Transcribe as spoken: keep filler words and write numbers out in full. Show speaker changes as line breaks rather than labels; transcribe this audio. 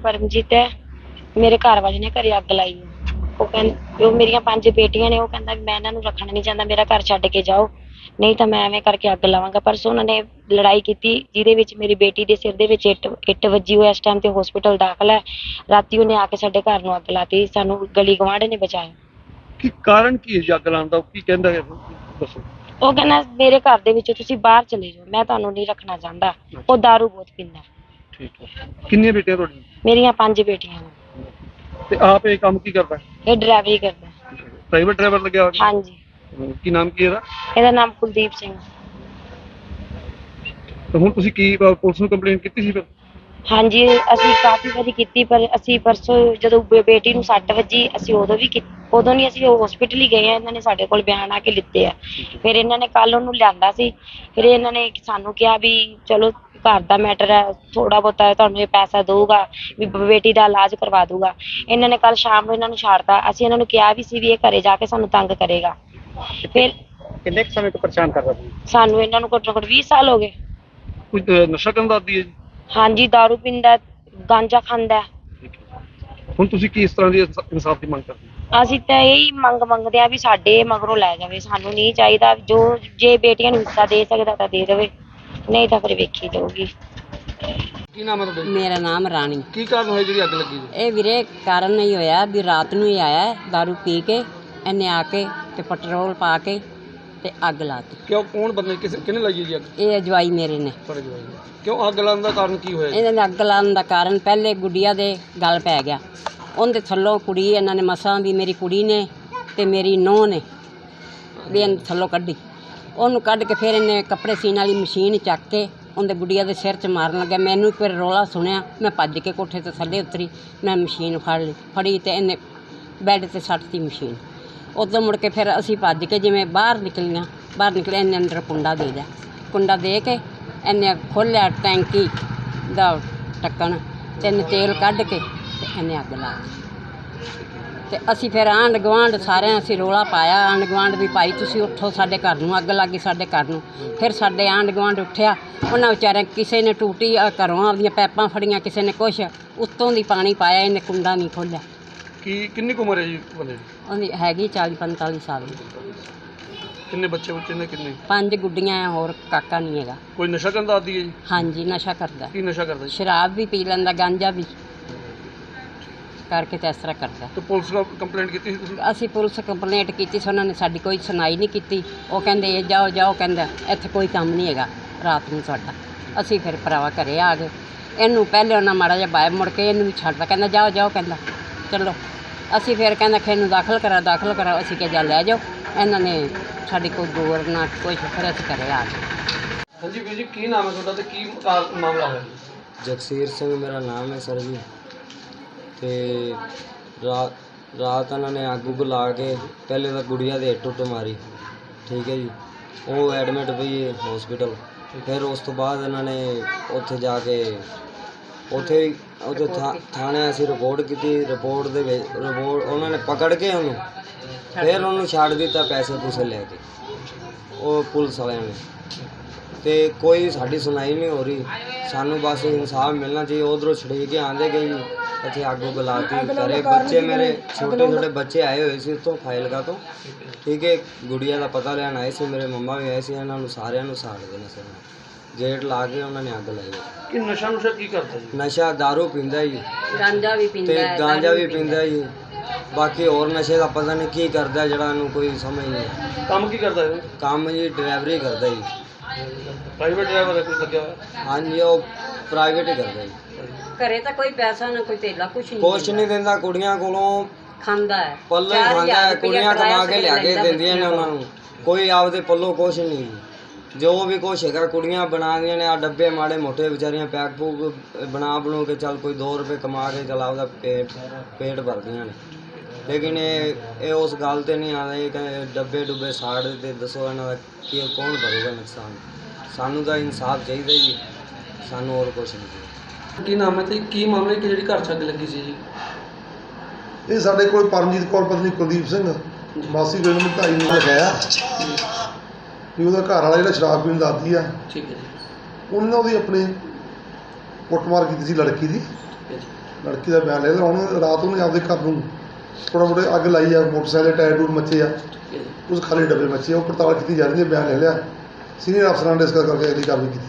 परमजीत है। मेरे घर वाले ने घरे अग लाई है। वो कहं वो मेरिया पंज बेटियां ने। वो कहंदा मैं इन्हां नूं रखना नहीं चाहता, मेरा घर छड्ड के जाओ, नहीं तो मैं एवें करके अग लावांगा। परसों उन्होंने लड़ाई की जिहदे विच मेरी बेटी दे सिर दे विच इट इट वजी। वो इस टाइम ते हॉस्पिटल दाखल है। राती उन्हें आके साडे घर नूं अग लाती। सानूं गली गवांढ ने बचाया।
ਕੀ ਕਾਰਨ ਕੀ ਹੈ ਜੀ ਅੱਗ ਲਾਉਣ ਦਾ? ਕੀ ਕਹਿੰਦਾ ਹੈ ਦੱਸੋ।
ਉਹ ਕਹਿੰਦਾ ਮੇਰੇ ਘਰ ਦੇ ਵਿੱਚੋਂ ਤੁਸੀਂ ਬਾਹਰ ਚਲੇ ਜਾਓ, ਮੈਂ ਤੁਹਾਨੂੰ ਨਹੀਂ ਰੱਖਣਾ ਚਾਹੁੰਦਾ। ਉਹ ਦਾਰੂ ਬਹੁਤ ਪੀਂਦਾ।
ਠੀਕ ਹੈ। ਕਿੰਨੀਆਂ ਬੇਟੀਆਂ ਤੁਹਾਡੀਆਂ?
ਮੇਰੀਆਂ ਪੰਜ ਬੇਟੀਆਂ ਨੇ।
ਤੇ ਆਪ ਇਹ ਕੰਮ ਕੀ ਕਰਦਾ?
ਇਹ ਡਰਾਈਵਰੀ ਕਰਦਾ।
ਪ੍ਰਾਈਵੇਟ ਡਰਾਈਵਰ ਲੱਗਿਆ ਹੋਇਆ?
ਹਾਂਜੀ।
ਕੀ ਨਾਮ ਕੀ ਇਹਦਾ?
ਇਹਦਾ ਨਾਮ ਕੁਲਦੀਪ ਸਿੰਘ।
ਤੇ ਹੁਣ ਤੁਸੀਂ ਕੀ ਪੁਲਿਸ ਨੂੰ ਕੰਪਲੇਂਟ ਕੀਤੀ ਸੀ ਫਿਰ?
ਹਾਂਜੀ ਅਸੀਂ ਕਾਫੀ ਵਾਰੀ ਕੀਤੀ, ਪਰ ਅਸੀਂ ਪਰਸੋਂ ਜਦੋਂ ਬੇਟੀ ਨੂੰ ਸੱਟ ਵੱਜੀ ਅਸੀਂ ਉਦੋਂ ਵੀ ਉਦੋਂ ਨਹੀਂ ਅਸੀਂ ਹਸਪੀਟਲ ਹੀ ਗਏ ਆ। ਇਹਨਾਂ ਨੇ ਸਾਡੇ ਕੋਲ ਬਿਆਨ ਆ ਕੇ ਲਿੱਤੇ ਆ। ਫਿਰ ਇਹਨਾਂ ਨੇ ਕੱਲ ਉਹਨੂੰ ਲਿਆਂਦਾ ਸੀ। ਫਿਰ ਇਹਨਾਂ ਨੇ ਸਾਨੂੰ ਕਿਹਾ ਵੀ ਚਲੋ ਘਰ ਦਾ ਮੈਟਰ ਹੈ, ਥੋੜਾ ਬਹੁਤਾ ਤੁਹਾਨੂੰ ਇਹ ਪੈਸਾ ਦਊਗਾ ਵੀ ਬੇਟੀ ਦਾ ਇਲਾਜ ਕਰਵਾ ਦਊਗਾ। ਇਹਨਾਂ ਨੇ ਕੱਲ ਸ਼ਾਮ ਨੂੰ ਇਹਨਾਂ ਨੂੰ ਛੱਡਤਾ। ਅਸੀਂ ਇਹਨਾਂ ਨੂੰ ਕਿਹਾ ਵੀ ਸੀ ਵੀ ਇਹ ਘਰੇ ਜਾ ਕੇ ਸਾਨੂੰ ਤੰਗ ਕਰੇਗਾ। ਫਿਰ
ਕਿੰਨੇ ਸਮੇਂ ਤੋਂ ਪਰੇਸ਼ਾਨ ਕਰਦਾ ਸੀ?
ਸਾਨੂੰ ਇਹਨਾਂ ਨੂੰ ਘੱਟੋ ਘੱਟ ਵੀਹ ਸਾਲ ਹੋ ਗਏ।
ਕੁਝ ਨਸ਼ਾ ਕਰਨ ਦਾ ਆਦੀ ਹੈ ਜੀ?
ਹਾਂਜੀ, ਦਾਰੂ ਪੀਂਦਾ, ਗਾਂਜਾ ਖਾਂਦਾ।
ਹੁਣ ਤੁਸੀਂ ਕੀ ਇਸ ਤਰ੍ਹਾਂ ਦੀ ਇਨਸਾਫ ਦੀ ਮੰਗ ਕਰਦੇ?
ਅਸੀਂ ਤਾਂ ਇਹੀ ਮੰਗ ਮੰਗਦੇ ਆ ਵੀ ਸਾਡੇ ਮਗਰੋਂ ਲੈ ਜਾਵੇ। ਸਾਨੂੰ ਨਹੀਂ ਚਾਹੀਦਾ। ਜੋ ਜੇ ਬੇਟੀਆਂ ਨੂੰ ਹਿੱਸਾ ਦੇ ਸਕਦਾ ਤਾਂ ਦੇ ਦੇਵੇ, ਨਹੀਂ ਤਾਂ ਫਿਰ ਵੇਖੀ ਜਾਊਗੀ।
ਕੀ ਨਾਮ ਹੈ ਤੁਹਾਡਾ?
ਮੇਰਾ ਨਾਮ ਰਾਣੀ।
ਕੀ ਕਾਰਨ ਹੋਇਆ ਜਿਹੜੀ ਅੱਗ ਲੱਗੀ?
ਇਹ ਵੀਰੇ ਕਾਰਨ ਨਹੀਂ ਹੋਇਆ ਵੀ ਰਾਤ ਨੂੰ ਹੀ ਆਇਆ ਦਾਰੂ ਪੀ ਕੇ, ਇਹਨੇ ਆ ਕੇ ਤੇ ਪੈਟਰੋਲ ਪਾ ਕੇ ਤੇ ਅੱਗ ਲਾਤੀ।
ਕਿਉਂ? ਕੌਣ ਬੰਦੇ ਕਿਸੇ ਕਿਹਨੇ ਲਾਈ ਜੀ ਅੱਗ?
ਇਹ ਅਜਵਾਈ ਮੇਰੇ ਨੇ।
ਤੁਹਾਡੇ ਜਵਾਈ ਨੇ? ਕਿਉਂ ਅੱਗ ਲਾਉਣ ਦਾ ਕਾਰਨ ਕੀ ਹੋਇਆ?
ਇਹਨਾਂ ਨੇ ਅੱਗ ਲਾਉਣ ਦਾ ਕਾਰਨ ਪਹਿਲੇ ਗੁੱਡੀਆ ਦੇ ਗਲ ਪੈ ਗਿਆ। ਉਹਦੇ ਥੱਲੋਂ ਕੁੜੀ ਇਹਨਾਂ ਨੇ ਮਸਾਂ ਵੀ ਮੇਰੀ ਕੁੜੀ ਨੇ ਤੇ ਮੇਰੀ ਨੂੰਹ ਨੇ ਵੀ ਇਹਨੂੰ ਥੱਲੋਂ ਕੱਢੀ। ਉਹਨੂੰ ਕੱਢ ਕੇ ਫਿਰ ਇਹਨੇ ਕੱਪੜੇ ਸੀਨ ਵਾਲੀ ਮਸ਼ੀਨ ਚੱਕ ਕੇ ਉਹਦੇ ਗੁੱਡੀਆ ਦੇ ਸਿਰ 'ਚ ਮਾਰਨ ਲੱਗਿਆ। ਮੈਨੂੰ ਇੱਕ ਵਾਰ ਰੌਲਾ ਸੁਣਿਆ, ਮੈਂ ਭੱਜ ਕੇ ਕੋਠੇ ਤੋਂ ਥੱਲੇ ਉਤਰੀ। ਮੈਂ ਮਸ਼ੀਨ ਫੜ ਲਈ ਫੜੀ ਤੇ ਇਹਨੇ ਬੈੱਡ 'ਤੇ ਸੱਟਤੀ ਮਸ਼ੀਨ। ਉਦੋਂ ਮੁੜ ਕੇ ਫਿਰ ਅਸੀਂ ਭੱਜ ਕੇ ਜਿਵੇਂ ਬਾਹਰ ਨਿਕਲੀਆਂ, ਬਾਹਰ ਨਿਕਲੇ ਇਹਨੇ ਅੰਦਰ ਕੁੰਡਾ ਦੇ ਦਿਆ। ਕੁੰਡਾ ਦੇ ਕੇ ਇਹਨੇ ਖੋਲ੍ਹਿਆ ਟੈਂਕੀ ਦਾ ਢੱਕਣ ਤੇ ਇਹਨੇ ਤੇਲ ਕੱਢ ਕੇ ਤੇ ਇਹਨੇ ਅੱਗ ਲਾ ਦਿੱਤੀ। ਤੇ ਅਸੀਂ ਫਿਰ ਆਂਢ ਗੁਆਂਢ ਸਾਰਿਆਂ ਅਸੀਂ ਰੌਲਾ ਪਾਇਆ। ਆਂਢ ਗੁਆਂਢ ਵੀ ਭਾਈ ਤੁਸੀਂ ਉੱਠੋ, ਸਾਡੇ ਘਰ ਨੂੰ ਅੱਗ ਲੱਗ ਗਈ, ਸਾਡੇ ਘਰ ਨੂੰ। ਫਿਰ ਸਾਡੇ ਆਂਢ ਗੁਆਂਢ ਉੱਠਿਆ। ਉਹਨਾਂ ਵਿਚਾਰਿਆਂ ਕਿਸੇ ਨੇ ਟੂਟੀ ਘਰੋਂ ਆਪਦੀਆਂ ਪੈਪਾਂ ਫੜੀਆਂ, ਕਿਸੇ ਨੇ ਕੁਛ ਉੱਤੋਂ ਦੀ ਪਾਣੀ ਪਾਇਆ। ਇਹਨੇ ਕੁੰਡਾ ਨਹੀਂ ਖੋਲ੍ਹਿਆ।
ਕੀ ਕਿੰਨੀ ਕੁ ਉਮਰ ਹੈ ਜੀ ਬੰਦੇ ਦੀ?
ਉਹਦੀ ਹੈਗੀ ਚਾਲੀ ਪੰਤਾਲੀ ਸਾਲ ਦੀ।
ਕਿੰਨੇ ਬੱਚੇ ਬੱਚੇ ਨੇ? ਕਿੰਨੇ?
ਪੰਜ ਗੁੱਡੀਆਂ ਆ, ਹੋਰ ਕਾਕਾ ਨਹੀਂ ਹੈਗਾ।
ਕੋਈ ਨਸ਼ਾ ਕਰਨ ਦਾ ਆਦੀ ਹੈ ਜੀ?
ਹਾਂਜੀ, ਨਸ਼ਾ ਕਰਦਾ।
ਕੀ ਨਸ਼ਾ ਕਰਦਾ ਜੀ?
ਸ਼ਰਾਬ ਵੀ ਪੀ ਲੈਂਦਾ, ਗਾਂਜਾ ਵੀ ਕਰਕੇ ਤੇ ਇਸ ਤਰ੍ਹਾਂ ਕਰਦਾ।
ਤੇ ਪੁਲਿਸ ਨੂੰ ਕੰਪਲੇਂਟ ਕੀਤੀ ਸੀ ਤੁਸੀਂ?
ਅਸੀਂ ਪੁਲਿਸ ਕੰਪਲੇਂਟ ਕੀਤੀ ਸੀ, ਉਹਨਾਂ ਨੇ ਸਾਡੀ ਕੋਈ ਸੁਣਾਈ ਨਹੀਂ ਕੀਤੀ। ਉਹ ਕਹਿੰਦੇ ਇਹ ਜਾਓ ਜਾਓ, ਕਹਿੰਦਾ ਇੱਥੇ ਕੋਈ ਕੰਮ ਨਹੀਂ ਹੈਗਾ ਰਾਤ ਨੂੰ ਸਾਡਾ। ਅਸੀਂ ਫਿਰ ਭਰਾਵਾ ਘਰੇ ਆ ਗਏ। ਇਹਨੂੰ ਪਹਿਲੇ ਉਹਨਾਂ ਮਾੜਾ ਜਿਹਾ ਬਾਹਰ ਮੁੜ ਕੇ ਇਹਨੂੰ ਵੀ ਛੱਡਦਾ, ਕਹਿੰਦਾ ਜਾਓ ਜਾਓ, ਕਹਿੰਦਾ ਚਲੋ। ਅਸੀਂ ਫਿਰ ਕਹਿੰਦਾ ਕਿ ਇਹਨੂੰ ਦਾਖਲ ਕਰਾ ਦਾਖਲ ਕਰਾ ਅਸੀਂ ਕਿਹਾ ਜਾ ਲੈ ਜਾਓ। ਇਹਨਾਂ ਨੇ ਸਾਡੀ ਕੋਈ ਗੌਰ ਨਾ ਕੁਛ, ਫਿਰ ਅਸੀਂ ਘਰੇ ਆ ਗਏ।
ਹਾਂਜੀ ਵੀਰ ਜੀ, ਕੀ ਨਾਮ ਹੈ ਤੁਹਾਡਾ ਤੇ ਕੀ ਮਾਮਲਾ ਹੋਇਆ?
ਜਗਸੀਰ ਸਿੰਘ ਮੇਰਾ ਨਾਮ ਹੈ ਸਰ ਜੀ। ਤੇ ਰਾਤ ਰਾਤ ਇਹਨਾਂ ਨੇ ਅੱਗ ਉੱਗ ਲਾ ਕੇ ਪਹਿਲੇ ਤਾਂ ਗੁੜੀਆ ਦੇ ਇੱਟ ਉੱਟ ਮਾਰੀ, ਠੀਕ ਹੈ ਜੀ। ਉਹ ਐਡਮਿਟ ਪਈ ਹੈ ਹੌਸਪੀਟਲ। ਫਿਰ ਉਸ ਤੋਂ ਬਾਅਦ ਇਹਨਾਂ ਨੇ ਉੱਥੇ ਜਾ ਕੇ ਉੱਥੇ ਉੱਥੇ ਥਾ ਥਾਣੇ ਅਸੀਂ ਰਿਪੋਰਟ ਕੀਤੀ। ਰਿਪੋਰਟ ਦੇ ਵਿੱਚ ਰਿਪੋਰਟ ਉਹਨਾਂ ਨੇ ਪਕੜ ਕੇ ਉਹਨੂੰ ਫਿਰ ਉਹਨੂੰ ਛੱਡ ਦਿੱਤਾ ਪੈਸੇ ਪੂਸੇ ਲੈ ਕੇ, ਉਹ ਪੁਲਿਸ ਵਾਲਿਆਂ ਨੇ। ਤੇ ਕੋਈ ਸਾਡੀ ਸੁਣਾਈ ਨਹੀਂ ਹੋ ਰਹੀ। ਸਾਨੂੰ ਬਸ ਇਨਸਾਫ ਮਿਲਣਾ ਚਾਹੀਏ। ਉਧਰੋਂ ਛੜੇ ਕੇ ਆਂਦੇ ਗਏ ਜੀ, ਇੱਥੇ ਅੱਗ ਉੱਗ ਲਾਤੀ ਘਰੇ। ਬੱਚੇ ਮੇਰੇ ਛੋਟੇ ਛੋਟੇ ਬੱਚੇ ਆਏ ਹੋਏ ਸੀ ਉੱਥੋਂ ਫਾਜ਼ਿਲਕਾ ਤੋਂ, ਠੀਕ ਹੈ। ਗੁੜੀਆ ਦਾ ਪਤਾ ਲੈਣ ਆਏ ਸੀ, ਮੇਰੇ ਮੰਮਾ ਵੀ ਆਏ ਸੀ। ਇਹਨਾਂ ਨੂੰ ਸਾਰਿਆਂ ਨੂੰ ਸਾੜ ਦੇਣਾ ਸੀ। ਗੇਟ ਲਾ ਕੇ ਉਹਨਾਂ ਨੇ ਅੱਗ ਲਾਈ।
ਕਿ ਨਸ਼ਾ ਨੁਸ਼ਾ ਕੀ ਕਰਦਾ ਜੀ?
ਨਸ਼ਾ ਦਾਰੂ ਪੀਂਦਾ ਜੀ,
ਗਾਂਜਾ ਵੀ ਪੀਂਦਾ
ਤੇ
ਹੈ,
ਗਾਂਜਾ ਵੀ ਪੀਂਦਾ ਜੀ। ਬਾਕੀ ਹੋਰ ਨਸ਼ੇ ਦਾ ਪਤਾ ਨਹੀਂ ਕੀ ਕਰਦਾ, ਜਿਹੜਾ ਇਹਨੂੰ ਕੋਈ ਸਮਝ ਨਹੀਂ।
ਕੰਮ ਕੀ ਕਰਦਾ ਇਹ?
ਕੰਮ ਜੀ ਡਰਾਈਵਰੀ ਕਰਦਾ ਜੀ।
ਪ੍ਰਾਈਵੇਟ ਡਰਾਈਵਰ ਹੈ ਕੋਈ ਲੱਗਿਆ ਹੋਇਆ?
ਹਾਂਜੀ, ਉਹ ਪ੍ਰਾਈਵੇਟ ਹੀ ਕਰਦਾ ਜੀ।
ਘਰੇ ਤਾਂ ਕੋਈ ਪੈਸਾ ਨਾ ਕੋਈ ਤੇਲਾ ਕੁਛ ਨਹੀਂ
ਕੁਛ ਨਹੀਂ ਦਿੰਦਾ, ਕੁੜੀਆਂ ਕੋਲੋਂ
ਖਾਂਦਾ ਹੈ,
ਪੱਲੇ ਹੀ ਖਾਂਦਾ ਹੈ। ਕੁੜੀਆਂ ਕਮਾ ਕੇ ਲਿਆ ਕੇ ਦਿੰਦੀਆਂ ਨੇ ਉਹਨਾਂ ਨੂੰ, ਕੋਈ ਆਪਦੇ ਪੱਲੋਂ ਕੁਛ ਨਹੀਂ। ਜੋ ਵੀ ਕੁਛ ਹੈਗਾ ਕੁੜੀਆਂ ਬਣਾਉਂਦੀਆਂ ਨੇ। ਆ ਡੱਬੇ ਮਾੜੇ ਮੋਟੇ ਵਿਚਾਰੀਆਂ ਪੈਕ ਪੂਕ ਬਣਾ ਬਣੂ ਕੇ ਚੱਲ ਕੋਈ ਦੋ ਰੁਪਏ ਕਮਾ ਕੇ ਚੱਲ ਆਪਦਾ ਪੇਟ ਪੇਟ ਭਰਦੀਆਂ ਨੇ। ਲੇਕਿਨ ਇਹ ਇਹ ਉਸ ਗੱਲ 'ਤੇ ਨਹੀਂ ਆਉਂਦੇ ਕਿ ਡੱਬੇ ਡੁੱਬੇ ਸਾੜ ਦਿੱਤੇ। ਦੱਸੋ ਇਹਨਾਂ ਦਾ ਕੀ ਕੌਣ ਭਰੂਗਾ ਨੁਕਸਾਨ? ਸਾਨੂੰ ਤਾਂ ਇਨਸਾਫ ਚਾਹੀਦਾ ਜੀ, ਸਾਨੂੰ ਹੋਰ ਕੁਛ ਨਹੀਂ ਚਾਹੀਦਾ।
ਕੀ ਨਾਮ ਹੈ ਤੇ ਕੀ ਮਾਮਲਾ ਕਿ ਜਿਹੜੀ ਘਰ 'ਚ ਅੱਗ ਲੱਗੀ ਸੀ ਜੀ?
ਇਹ ਸਾਡੇ ਕੋਲ ਪਰਮਜੀਤ ਕੌਰ ਪਤਨੀ ਕੁਲਦੀਪ ਸਿੰਘ ਮਾਸੀ ਕੋਲ ਨੂੰ ਢਾਈ ਨੂੰ ਲਗਾਇਆ ਵੀ ਉਹਦਾ ਘਰ ਵਾਲਾ ਜਿਹੜਾ ਸ਼ਰਾਬ ਪੀਣ ਦਾ ਆਦੀ ਆ।
ਠੀਕ ਹੈ ਜੀ।
ਉਹਨੇ ਉਹਦੀ ਆਪਣੀ ਕੁੱਟਮਾਰ ਕੀਤੀ ਸੀ ਲੜਕੀ ਦੀ। ਲੜਕੀ ਦਾ ਬਿਆਨ ਲੈ ਲਿਆ। ਹੁਣ ਰਾਤ ਉਹਨੇ ਆਪਦੇ ਘਰ ਨੂੰ ਥੋੜ੍ਹਾ ਬਹੁਤੇ ਅੱਗ ਲਾਈ ਆ, ਮੋਟਰਸਾਈਕਲ ਟਾਇਰ ਟੂਰ ਮੱਚੇ ਆ, ਉਸ ਖਾਲੀ ਡੱਬੇ ਮੱਚੇ ਆ, ਉਹ ਪੜਤਾਲ ਕੀਤੀ ਜਾ ਰਹੀ ਹੈ। ਬਿਆਨ ਲੈ ਲਿਆ, ਸੀਨੀਅਰ ਅਫਸਰਾਂ ਨੇ ਡਿਸਕਸ ਕਰਕੇ ਅਗਲੀ ਕਾਰਵਾਈ ਕੀਤੀ।